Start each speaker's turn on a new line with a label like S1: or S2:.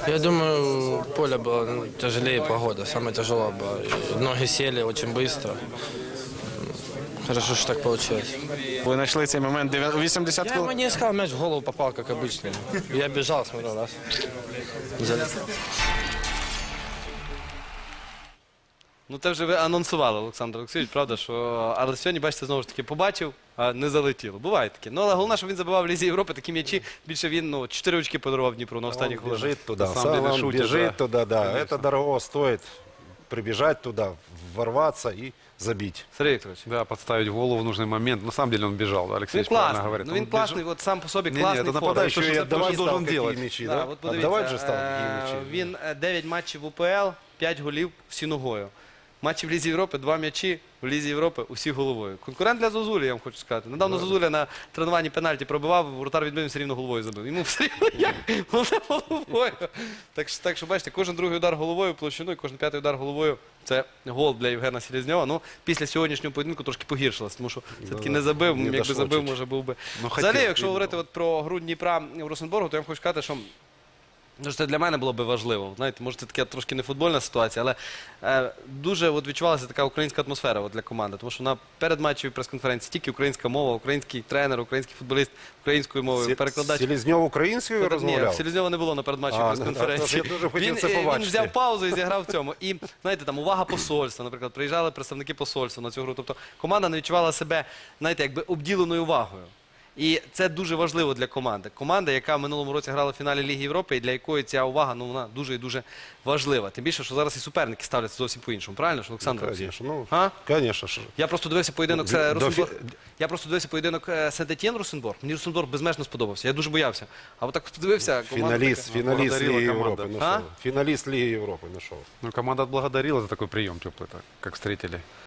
S1: Я думаю, поле было тяжелее, погода. Самое тяжелое было. И ноги сели очень быстро. Хорошо, что так получилось.
S2: Ви знайшли цей момент 80
S1: Я
S2: хвилин.
S1: ему не искал, мяч в голову попал, как обычно. Я бежал, смотрел, раз. Залез.
S3: Ну, це вже ви анонсували, Олександр Олексійович, правда, що... Але сьогодні, бачите, знову ж таки, побачив, а не залетіло. Буває таке. Ну, але головне, що він забивав в Лізі Європи такі м'ячі. Більше він, 4 очки подарував Дніпру на останніх
S4: Он
S3: хвилинах.
S4: бежит туда,
S5: На самом деле
S4: он
S5: шутит,
S4: бежит
S5: да.
S4: туда, да.
S5: Конечно.
S4: Это дорого стоит прибежать туда, ворваться и забить.
S3: Сергій Вікторович.
S5: Да, подставить голову в нужный момент. На самом деле он бежал, да, Алексей
S3: Він
S5: правильно
S3: класний.
S5: говорит.
S3: Ну, він
S5: Он
S3: класний,
S5: бежал.
S3: от сам по собі
S5: Ні-ні,
S3: класний
S5: це
S3: форвард.
S5: нападає,
S4: Еще
S5: что
S4: и
S5: же
S4: отдавать
S5: он
S4: стал
S5: должен
S4: какие
S5: делать?
S4: мячи,
S3: Да,
S4: да?
S3: от подивіться,
S4: Отдавать же стал какие мячи.
S3: Він 9 матчів в УПЛ, 5 голів всі ногою. Матчі в Лізі Європи, 2 м'ячі в Лізі Європи, усі головою. Конкурент для Зозулі, я вам хочу сказати. Недавно Зозуля на тренуванні пенальті пробивав, воротар відбив, все рівно головою забив. Йому все рівно як? Головне головою. Так що, бачите, кожен другий удар головою в площину і кожен п'ятий удар головою – це гол для Євгена Селезньова. Ну, після сьогоднішнього поєдинку трошки погіршилось, тому що все-таки не забив,
S4: не
S3: якби
S4: дошло
S3: забив,
S4: чуть.
S3: може був би.
S5: Ну,
S3: Взагалі,
S5: хотів,
S3: якщо
S5: видно.
S3: говорити от про гру Дніпра в Росенборгу, то я вам хочу сказати, що це для мене було би важливо. Знаєте, може це така трошки не футбольна ситуація, але дуже відчувалася така українська атмосфера для команди. Тому що на передматчевій прес-конференції тільки українська мова, український тренер, український футболіст українською мовою, перекладач.
S4: Селезнев українською
S3: Ні,
S4: розмовляв?
S3: Селезньова не було на передматчевій прес-конференції.
S4: я дуже хотів
S3: Він,
S4: це
S3: він
S4: побачити.
S3: взяв паузу і зіграв в цьому. І, знаєте, там увага посольства, наприклад, приїжджали представники посольства на цю гру. Тобто команда не відчувала себе, знаєте, якби обділеною увагою. І це дуже важливо для команди. Команда, яка в минулому році грала в фіналі Ліги Європи, і для якої ця увага, вона дуже і дуже важлива. Тим більше, що зараз і суперники ставляться зовсім по-іншому. Правильно ж, Олександр Олексійович?
S4: Конечно,
S3: А?
S4: конечно. ж.
S3: Я просто дивився поєдинок
S4: До
S3: Росенборг. Я просто дивився поєдинок Сент-Етьєн Росенборг. Мені Росенборг безмежно сподобався. Я дуже боявся. А от так подивився, команда
S4: Финалист
S5: Благодарила
S4: Лиги
S5: команда.
S4: Европы
S3: А?
S4: нашел. Финалист Лиги Европы нашел.
S5: Ну, команда отблагодарила за такой прием теплый, так, как встретили.